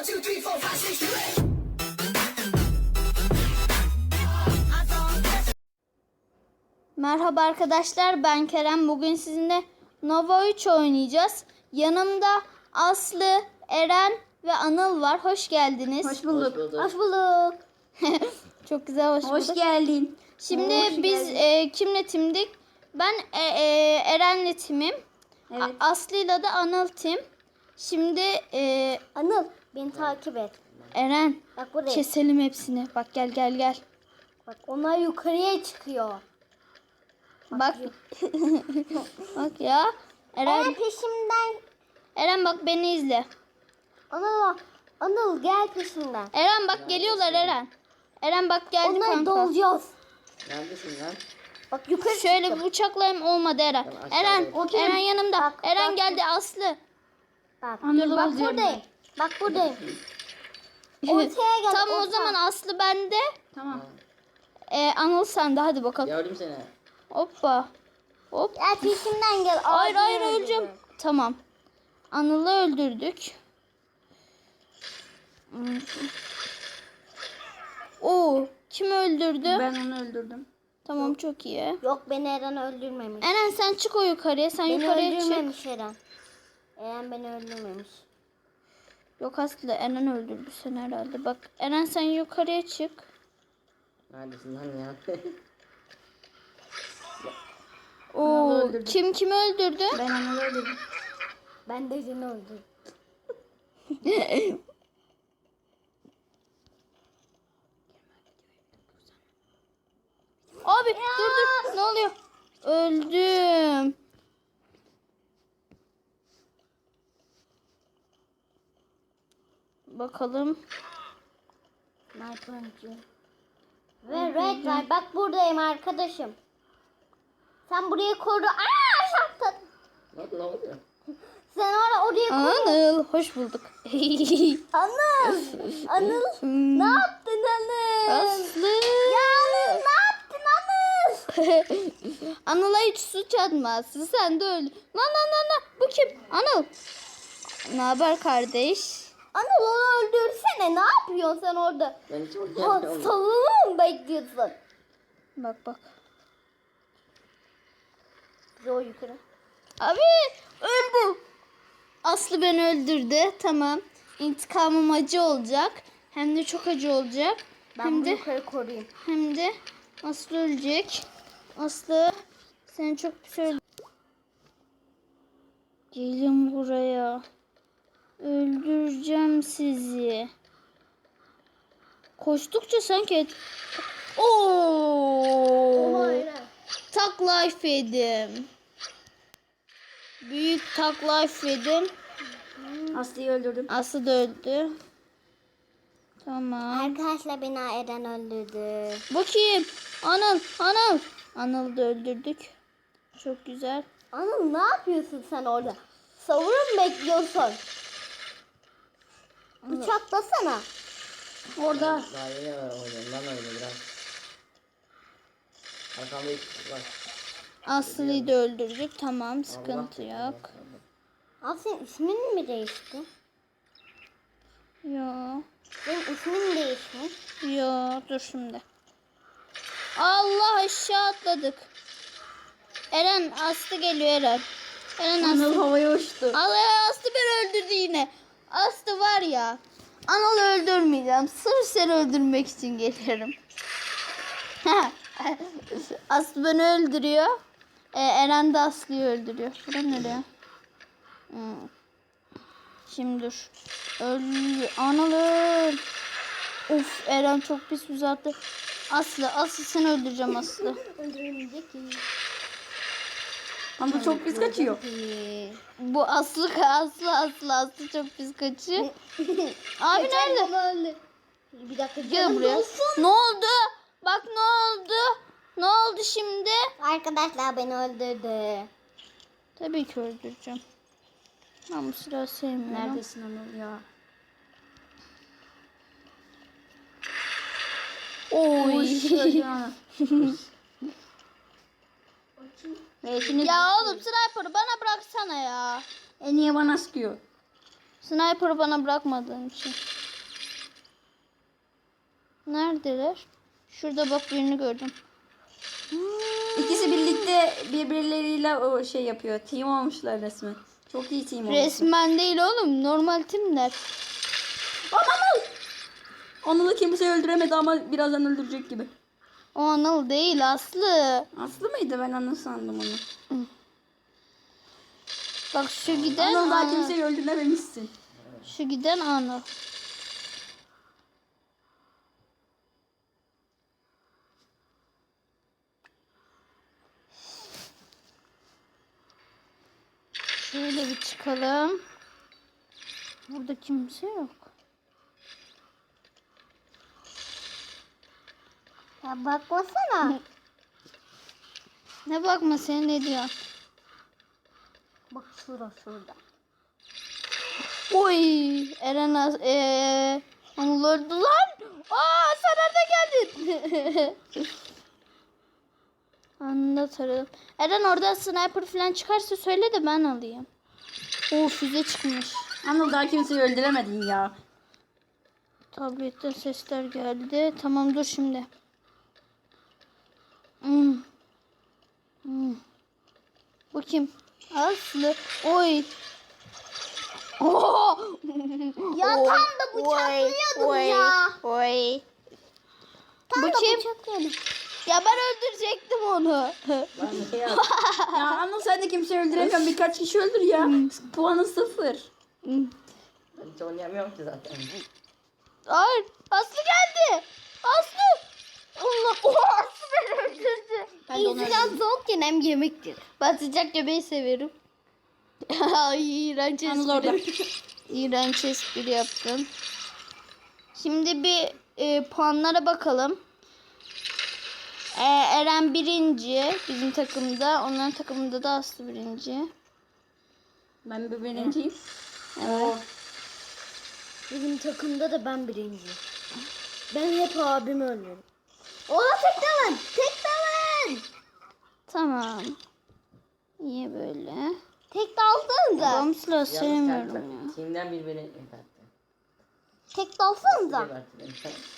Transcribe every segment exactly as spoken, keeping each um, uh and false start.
two, three, four, five, six, seven. Merhaba arkadaşlar, ben Kerem. Bugün sizinle Nova üç oynayacağız. Yanımda Aslı, Eren ve Anıl var. Hoş geldiniz. Hoş bulduk. Hoş bulduk. Hoş bulduk. Çok güzel hoş, Hoş bulduk. geldin. Şimdi Hoş biz geldin. e, kimle timdik? Ben e, e, Eren'le timim. Evet. A- Aslı'yla da Anıl tim. Şimdi e, Anıl beni takip et. Eren Bak buraya. keselim hepsini. Bak gel gel gel. Bak onlar yukarıya çıkıyor. Bak. Bak ya. Eren, Eren peşimden. Eren bak beni izle. Anıl, Anıl gel peşimden. Eren bak geliyorlar Eren. Eren bak geldi Onları kanka. dolacağız. Neredesin lan? Bak yukarı Şöyle çıktım. bir bıçaklayayım olmadı Eren. Tamam, aşağıda Eren, yok. Eren yanımda. Bak, Eren bak. geldi Aslı. Bak, Anıl bak olacağım buradayım. Bak buradayım. Ortaya gel. Tamam o orta. zaman Aslı bende. Tamam. Ee, Anıl sende hadi bakalım. Gördüm seni. Hoppa. Hop. Gel peşimden gel. Hayır Ağzını hayır öldürürüm. öleceğim. Tamam. Anıl'ı öldürdük. Hmm. Oo, kim öldürdü? Ben onu öldürdüm. Tamam çok iyi. Yok beni Eren öldürmemiş. Eren sen çık o yukarıya. Sen Beni yukarıya çık. öldürmemiş Eren. Eren beni öldürmemiş. Yok Aslı Eren öldürdü seni herhalde. Bak Eren sen yukarıya çık. Neredesin lan ya? Oo, öldürdü. kim kimi öldürdü? Ben onu öldürdüm. Ben de seni öldürdüm. Abi dur dur ne oluyor? Öldüm. Bakalım. Sniper'cı. Ve red var. Bak buradayım arkadaşım. Sen burayı koru. Aa şaptın. Ne, ne oluyor? Sen orada oraya koru. Anıl hoş bulduk. Anıl. Anıl. Hmm. Ne yaptın Anıl? Aslı. Ya Anıl ne yaptın Anıl? Anıl'a hiç suç atmazsın. Sen de öl. Lan lan lan lan. Bu kim? Anıl. Ne haber kardeş? Anıl onu öldürsene. Ne yapıyorsun sen orada? Ben hiç Ha, oynayamıyorum. savunma mı bekliyorsun? Bak bak. Yo yukarı. Abi öldüm. Aslı beni öldürdü. Tamam. İntikamım acı olacak. Hem de çok acı olacak. Ben hem bunu de yukarı koruyayım. hem de Aslı ölecek. Aslı sen çok pis öldün. Gelin buraya. Öldüreceğim sizi. Koştukça sanki Oo! Tak life yedim. Büyük tak life yedim. Aslı'yı öldürdüm. Aslı da öldü. Tamam. Arkadaşlar beni Eren öldürdü. Bakayım. Anıl, Anıl. Anıl'ı da öldürdük. Çok güzel. Anıl ne yapıyorsun sen orada? Savunma mı bekliyorsun? Bıçaklasana. Orada. Daha yeni oynuyorum lan öyle biraz. Arkamda iki kişi var. Aslı'yı da öldürdük. Tamam, sıkıntı Allah yok. Abi senin ismin mi değişti? Yo. Benim ismim değişmiş. Yo, dur şimdi. Allah aşağı atladık. Eren Aslı geliyor Eren. Eren Anıl Aslı. havaya uçtu. Allah Aslı beni öldürdü yine. Aslı var ya. Anıl'ı öldürmeyeceğim. Sırf seni öldürmek için geliyorum. Aslı beni öldürüyor. Ee, Eren de Aslı'yı öldürüyor. Bura nereye? Hmm. Şimdi dur. Öl. Anıl öl. Of Eren çok pis uzattı. Aslı, Aslı seni öldüreceğim Aslı. Öldüremeyecek ki. Anıl çok pis kaçıyor. Bu Aslı, Aslı, Aslı, Aslı çok pis kaçıyor. Abi nerede? Öldü. Bir dakika Gel canım buraya. dolsun. Ne oldu? Bak ne oldu? Ne oldu şimdi? Arkadaşlar beni öldürdü. Tabii ki öldüreceğim. Ben bu silahı sevmiyorum. Neredesin Anıl ya? Oy. Öldü Anıl. Ve ikiniz... Ya oğlum sniper'ı bana bıraksana ya. E niye bana sıkıyor? Sniper'ı bana bırakmadığın için. Neredeler? Şurada bak birini gördüm. İkisi birlikte birbirleriyle o şey yapıyor. Team olmuşlar resmen. Çok iyi team olmuşlar. Resmen değil oğlum. Normal timler. Anıl! Anıl'ı kimse öldüremedi ama birazdan öldürecek gibi. O Anıl değil Aslı. Aslı mıydı? Ben Anıl sandım onu. Bak şu giden Anıl daha Anıl. kimseyi öldürememişsin. Şu giden Anıl. Şöyle bir çıkalım. Burada kimse yok. Ya bakmasana. Ne bakma sen ne diyorsun? Bak şurada şurada. Oy Eren az eee Anıl öldü lan. Aa sen nerede geldin? Anında taradım. Eren orada sniper falan çıkarsa söyle de ben alayım. Oo füze çıkmış. Anıl daha kimseyi öldüremedin ya. Tabletten sesler geldi. Tamam dur şimdi. Hmm. Hmm. Bu kim? Aslı. Oy. Oo. Ya tam da bıçaklıyordum oy, ya. Oy. Tam Bu da kim? bıçaklıyordum. Ya ben öldürecektim onu. Lan ne ya? Ya Anıl sen de kimseyi öldüremiyorsun. Birkaç kişi öldür ya. Puanı sıfır. Hmm. Ben hiç oynayamıyorum ki zaten. Hayır. Aslı geldi. Aslı. Allah. Oha Aslı beni öldürdü. Ben de onu İnsan soğukken hem yemektir. Ben sıcak yemeği severim. Ay iğrenç Anıl orada. espri. İğrenç espri yaptım. Şimdi bir e, puanlara bakalım. E, Eren birinci bizim takımda. Onların takımında da Aslı birinci. Ben bir birinciyim. Evet. Bizim takımda da ben birinciyim. Ben hep abimi öldürüyorum. Ola tek dalın. Tek dalın. Tamam. Niye böyle? Tek dalsanıza. Bomb silah Yalnız sevmiyorum kendi ya. Team'den bir beni yıkattı. Tek dalsanıza. Gebertti beni.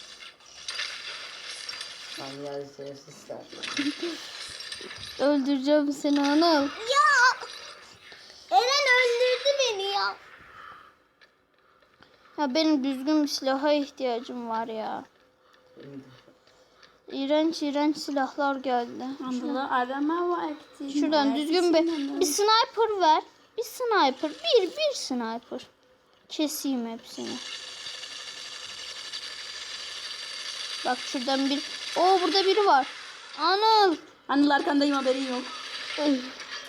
Tam geldi şerefsizler. Öldüreceğim seni Anıl. Ya. Eren öldürdü beni ya. Ya benim düzgün bir silaha ihtiyacım var ya. İğrenç iğrenç silahlar geldi. Anıl'ı arama vakti. Şuradan düzgün bir, bir sniper ver. Bir sniper. Bir bir sniper. Keseyim hepsini. Bak şuradan bir. Oo burada biri var. Anıl. Anıl arkandayım, haberin yok. Ay.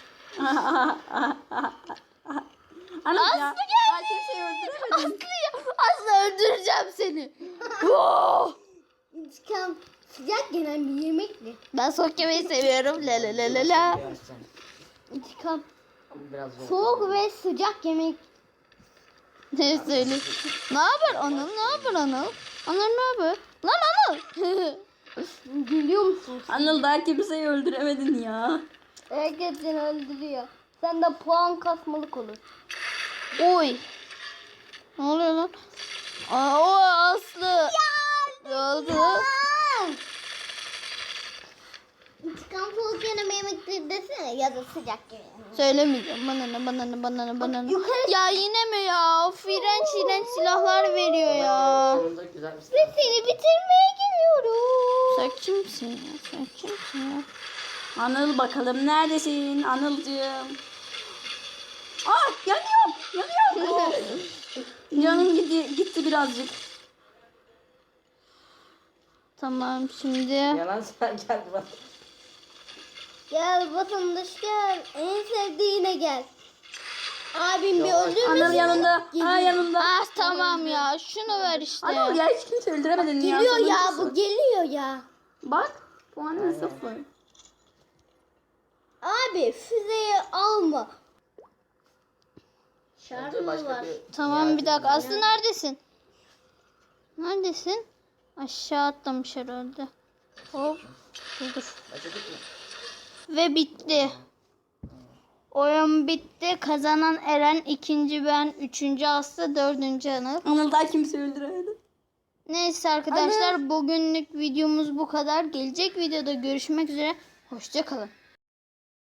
Anıl Aslı ya. geldi. Daha kimseyi öldüremedin. Aslı ya. Aslı öldüreceğim seni. Oo. İntikam sıcak gelen bir yemekti. Ben soğuk yemeği seviyorum. La la la la la. Yavaştan. İntikam Ama biraz zor. soğuk ve sıcak yemek. Ne söyle? Ne haber Anıl? Ne haber Anıl? Anıl ne haber? Lan Anıl. Gülüyor musun? Anıl daha kimseyi öldüremedin ya. Herkes seni öldürüyor. Sen de puan kasmalık olur. Oy. Ne oluyor lan? Aa, o Aslı. Ne oldu? İntikam soğuk gelen yemektir desene ya da sıcak yemek. Söylemeyeceğim. Bana ne bana ne bana ne bana ne. yukarı- Ya yine mi ya? Of iğrenç iğrenç silahlar veriyor ya. Sonunda güzel bir Ve silah. seni bitirmeye geliyorum. Sen kimsin ya? Sen kimsin ya? Anıl bakalım neredesin Anılcığım? Ah yanıyorum. Yanıyorum. Canım gitti, gitti birazcık. Tamam şimdi. Yalan sen geldi bana. Gel vatandaş gel. En sevdiğine gel. Abim bir Yok, öldürmesin. Anıl yanında. Ha yanında. Ah tamam ya. Şunu ver işte. Anıl ya hiç kimse öldüremedin ya. Geliyor ya Sonuncusun. bu geliyor ya. Bak puanın sıfır. Abi füzeyi alma. Dur, Şarjı başka var. bir- Tamam bir dakika. Ya, Aslı neredesin? Neredesin? Aşağı atlamış herhalde. Hop. Dur dur. Başladık mı? Ve bitti. Oyun bitti. Kazanan Eren, ikinci ben, üçüncü Aslı, dördüncü Anıl. Anıl daha kimse öldüremedi. Neyse arkadaşlar bugünlük videomuz bu kadar. Gelecek videoda görüşmek üzere. Hoşça kalın.